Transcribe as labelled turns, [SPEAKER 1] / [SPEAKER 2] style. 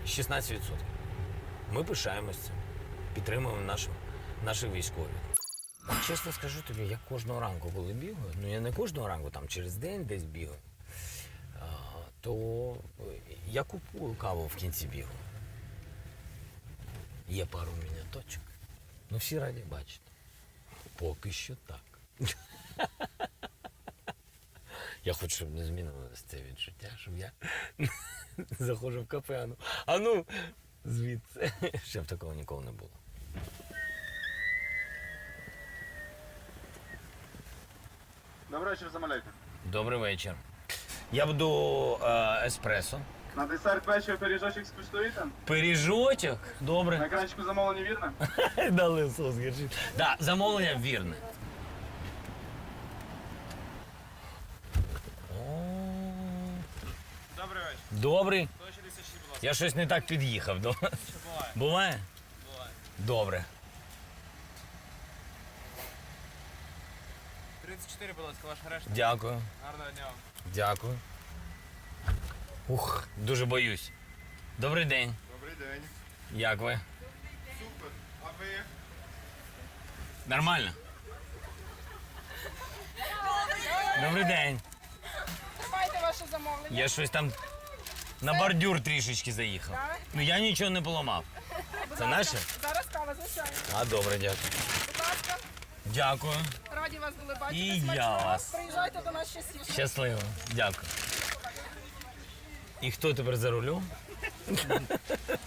[SPEAKER 1] 16%. Ми пишаємось цим, підтримуємо наших військових. Чесно скажу тобі, я кожного ранку, коли бігаю, ну я не кожного ранку, там через день десь бігаю, то я купую каву в кінці бігу. Є пару міняточок. Ну всі раді бачити. Поки що так. Я хочу, щоб не змінилося це відчуття, щоб я заходжу в кафе, а ну звідси. Щоб такого ніколи не було.
[SPEAKER 2] Добрий вечір, замовляйте.
[SPEAKER 1] Добрий вечір. Я буду еспресо.
[SPEAKER 2] На десерт вечір пиріжочок скуштуєте?
[SPEAKER 1] Пиріжочок?
[SPEAKER 2] На
[SPEAKER 1] Добре.
[SPEAKER 2] екранчику замовлення вірно?
[SPEAKER 1] Дали сос гірчить. Так, замовлення вірне.
[SPEAKER 2] Добрий вечір.
[SPEAKER 1] Добрий.
[SPEAKER 2] 166, будь ласка.
[SPEAKER 1] Я щось не так під'їхав.
[SPEAKER 2] Що буває?
[SPEAKER 1] Буває?
[SPEAKER 2] Буває.
[SPEAKER 1] Добре.
[SPEAKER 2] 34, будь ласка, ваша решта.
[SPEAKER 1] Дякую.
[SPEAKER 2] Гарного дня вам.
[SPEAKER 1] Дякую. Ух, дуже боюсь. Добрий день.
[SPEAKER 2] Добрий день.
[SPEAKER 1] Як ви?
[SPEAKER 2] Супер. А ви?
[SPEAKER 1] Нормально? Добрий день.
[SPEAKER 3] Тримайте ваше замовлення.
[SPEAKER 1] Я щось там на бордюр трішечки заїхав.
[SPEAKER 3] Так.
[SPEAKER 1] Ну я нічого не поламав. Це наше?
[SPEAKER 3] Зараз кава, звичайно.
[SPEAKER 1] А, добре, дякую.
[SPEAKER 3] Будь ласка,
[SPEAKER 1] Дякую.
[SPEAKER 3] раді вас були бачити.
[SPEAKER 1] І я
[SPEAKER 3] Смачного.
[SPEAKER 1] вас.
[SPEAKER 3] Приїжджайте до нас частіше.
[SPEAKER 1] Щасливо. Дякую. І хто тепер за рулем?